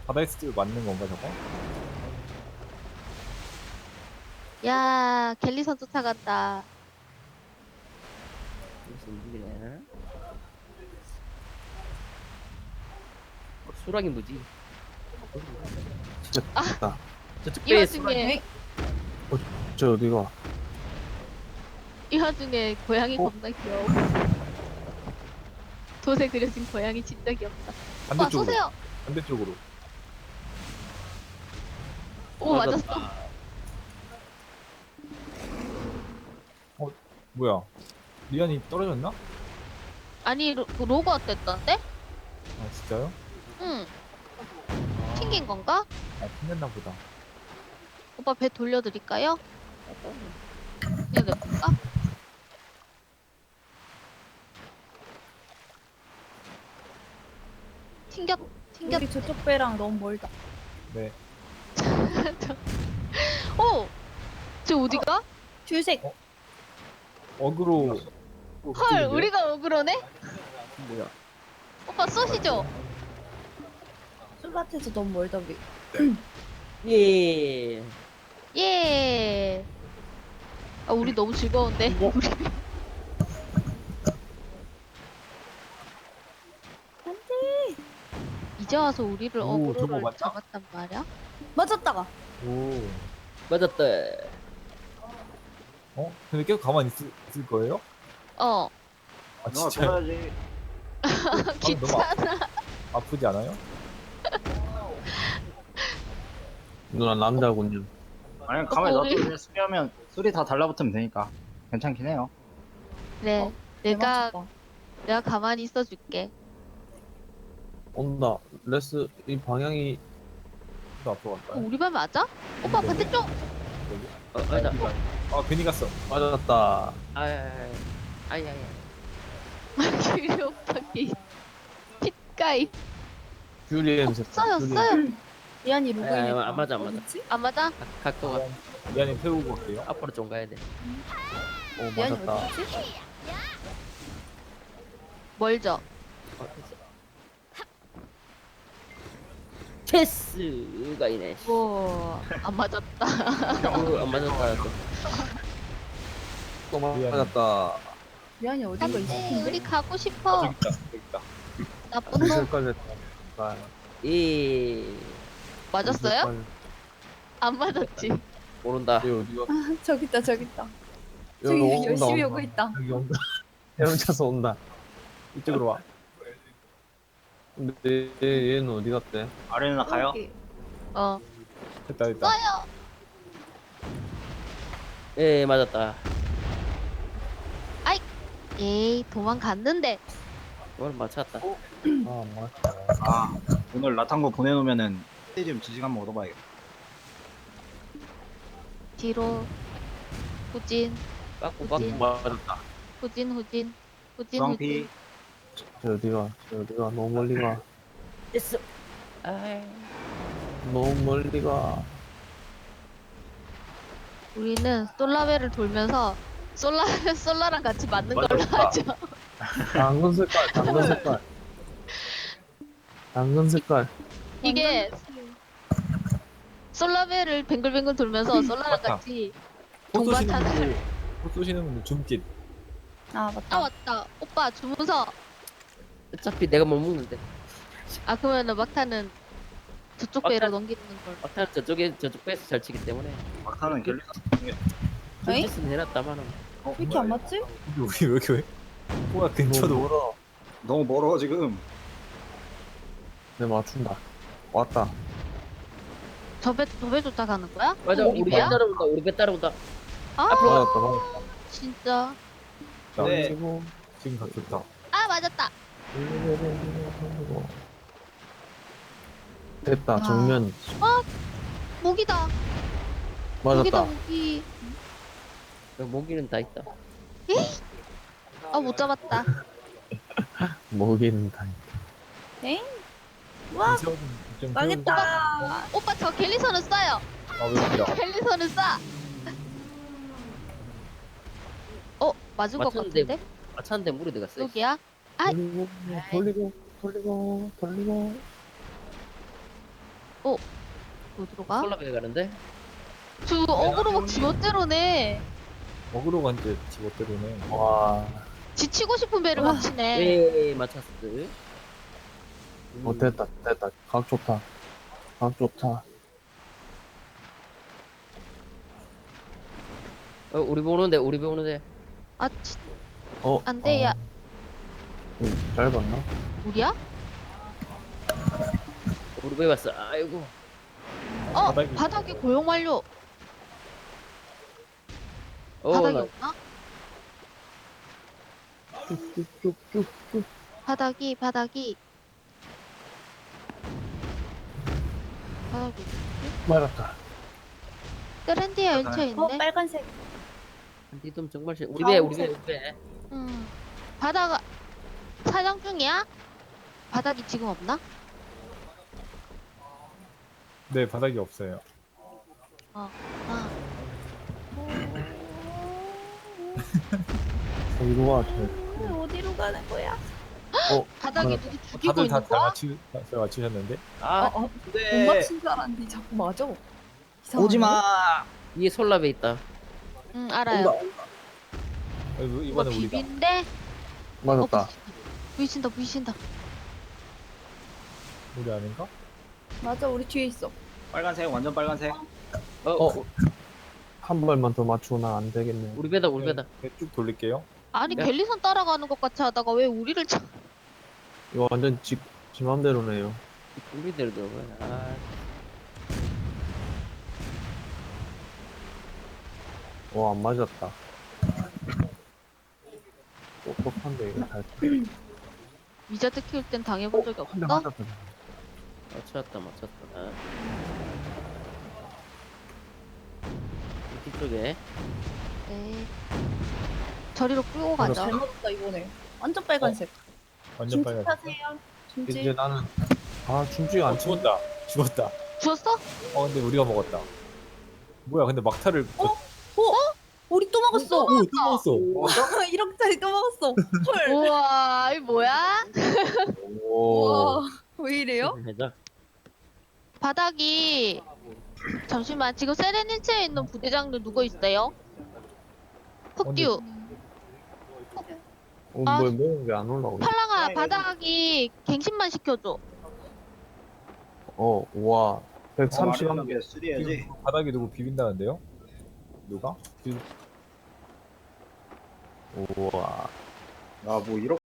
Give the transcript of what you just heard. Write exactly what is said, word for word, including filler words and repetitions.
바다에 있을 때 맞는 건가 저거? 야, 갤리선 쫓아간다. 무슨 일이야? 어, 수락이 뭐지? 진짜 다 저쪽 이 배에 와중에, 저 어디가? 이 와중에 고양이 어? 겁나 귀여워. 돛에 그려진 고양이 진짜 귀엽다. 와, 반대쪽으로. 쏘세요. 반대쪽으로. 오, 맞았어. 뭐야? 리안이 떨어졌나? 아니, 로, 로고 어땠던데? 아 진짜요? 응. 튕긴 건가? 아 튕겼나 보다. 오빠 배 돌려드릴까요? 그냥 냅둘까? 튕겼, 튕겼. 우리 저쪽 배랑 너무 멀다. 네. 오! 저 어디가? 줄색. 어? 어그로. 헐, 우리가 어그로네? 뭐야? 오빠 쏘시죠? 술밭에서 너무 멀다 우리. 예. 예. 아, 우리 너무 즐거운데? 어? 우리 이제 와서 우리를 오, 저거 어그로를 맞다? 잡았단 말이야? 맞았다가. 오. 맞았다. 어? 근데 계속 가만히 있을, 있을 거예요? 어. 아 누나 진짜 돌아야지. 귀찮아. 아프지 않아요? 누나 남자군요. 아니 가만히 우리- 놔두고 그냥 수리하면 수리 다 달라붙으면 되니까 괜찮긴 해요. 그래. 내가, 맞췄다. 내가 가만히 있어줄게. 온다. 레스 이 방향이 또 앞으로 갈까요? 어, 우리 반 맞아? 오빠 반대쪽! 어, 맞아. 아 괜히 갔어. 맞았다. 아야야야. 아야야. 우리 오빠 기 핏가이. 귤이 냄새. 써요, 써요. 리안이 로고 아, 있네. 안 맞아, 안 맞아. 어딨지? 안 맞아? 각- 각도가 리안이 태우고 갈게요. 앞으로 좀 가야 돼. 오 리안이 맞았다. 어딨지? 멀죠? 어, 됐어. 체스가 이네. 뭐, 안 맞았다. 어, 안 맞았다. 또. 또 맞았다. 리안이 어딘가 있을 네, 텐데. 우리 가고 아 싶어. 저기 있다. 저기 있다. 나쁜 놈. 색깔 됐다. 예. 맞았어요? 안 맞았지. 모른다. 여기 어디가? 아, 저기 있다 저기 있다. 여기 저기 온다, 열심히 온다. 오고 있다. 여기 온다. 헤엄쳐서 온다. 이쪽으로 와. 근데 얘, 얘는 어디 갔대? 아래 누나 가요? 여기. 어. 됐다 됐다. 써요. 예, 맞았다. 에이, 도망갔는데. 오늘 맞췄다. 아 맞다. 아 오늘 라탄 거 보내놓으면은 스테디움 지식 한번 얻어봐야겠다. 뒤로. 후진, 빠꾸 그치. 빠꾸. 맞았다. 후진, 후진. 후진, 주황피 후진. 저 어디가? 저 어디가? 너무 멀리 가. 됐어. 아. 너무 멀리 가. 우리는 솔라벨을 돌면서 솔라, 솔라랑 같이 맞는 걸로 맞았다. 하죠. 당근 색깔. 당근 색깔. 당근 색깔. 이게 솔라벨을 뱅글뱅글 돌면서 솔라랑 맞다. 같이 꽃 쏘시는 동반타는. 분들, 꽃 쏘시는 분들 줌깃. 아 맞다. 아, 맞다. 오빠 주문서. 어차피 내가 못 먹는데. 아, 그러면은 막타는 저쪽 막타- 배로 넘기는 걸. 막타는 저쪽에 저쪽 배에서 잘 치기 때문에. 막타는 갤리사 에이? 좀 해놨다마는. 왜 이렇게 안 맞지? 우리 왜 이렇게 뭐야 근처도 너무 멀어. 너무 멀어 지금. 내 맞춘다. 왔다. 저 배, 저 배 쫓아가는 거야? 맞아, 어, 우리 배 배야? 따라온다. 우리 배 따라온다. 아, 맞았다. 맞았다. 진짜. 네. 그리고 지금 각 좋다. 아, 맞았다. 됐다. 아. 정면 모기다. 모기다, 맞았다. 모기. 모기는 다 있다. 아, 못 잡았다. 먹이는 다. 엥? 와 좀 망했다. 오빠, 저 갤리선을 쏴요. 아왜 이렇게 갤리선을 쏴. 어, 맞은 것 맞췄는데. 같은데? 맞췄는데 물에 들어갔어. 여기야? 아. 돌리고 돌리고 돌리고 돌리고. 어디로 가? 솔라베 가는데? 저 어그로 막 지멋대로네. 먹으러 간데 집어때리네. 와, 지치고 싶은 배를 와. 막 치네. 예, 맞췄어. 음. 어, 됐다, 됐다. 각 좋다. 각 좋다. 어, 우리 보는데, 우리 보는데. 아, 치, 어, 안 돼, 야. 음, 짧았나? 우리야? 우리 왜 왔어? 아이고. 어, 바닥이- 바닥에 고용 완료. 어, 바닥이 나 없나? 쭉쭉쭉쭉쭉. 바닥이, 바닥이. 바닥이. 말았다. 트렌디에 얹혀 어 있네. 빨간색. 니좀 정말 싫어. 우리 배, 우리 배, 우리 배. 음. 바다가 사냥 중이야? 바닥이 지금 없나? 네, 바닥이 없어요. 아, 어디로 와, 쟤. 어, 어디로 가는 거야? 어, 바닥이 맞았다. 누구 죽이고 다들 다 있는 거야? 맞추, 다 맞추셨는데? 아, 어, 어, 못 네. 맞춘 줄 알았는데 자꾸 맞아. 이상하네. 오지 마. 위에 솔라베 있다. 응, 알아요. 어, 이거- 이거 이번에 우리가. 비빈데? 어, 맞았다. 부딪힌다, 부딪힌다. 우리 아닌가? 맞아, 우리 뒤에 있어. 빨간색 완전 빨간색. 어, 어. 한 발만 더 맞추고 나 안 되겠네. 우리 배다, 우리 배다. 네, 쭉 돌릴게요. 아니, 야. 갤리선 따라가는 것 같이 하다가 왜 우리를 쳐? 이거 완전 지, 지 맘대로네요. 우리 대로 들어가. 아, 와, 안 맞았다. 똑똑한데, 이거 잘. 위자드 키울 땐 당해본 적이 한대 없어? 맞았다. 맞췄다, 맞췄다. 아. 뒤쪽에. 네. 저리로 끌고 맞아. 가자. 잘 맞았다 이번에. 완전 빨간색. 완전 김치 빨간. 타세요. 이제 김치. 나는, 아, 춤지가 어, 안 쳐. 죽었다. 죽었다. 주웠어? 어, 근데 우리가 먹었다. 뭐야, 근데 막타를. 어? 어? 우리 또 먹었어. 오, 또 먹었어. 일억짜리 또 먹었어. 헐. 우와, 이 뭐야? 오. 와. 왜 이래요? 해자. 바닥이 잠시만 지금 세레니체에 있는 부대장들 누구 있어요? 흑듀 어, 아. 뭐, 뭐, 왜 안 올라오냐? 팔랑아 네, 바닥이 갱신만 시켜줘. 어, 와. 백삼십 한 개. 개 수리해야지. 지금 바닥에 누구 비빈다는데요? 누가? 비- 우와. 아뭐 이렇게.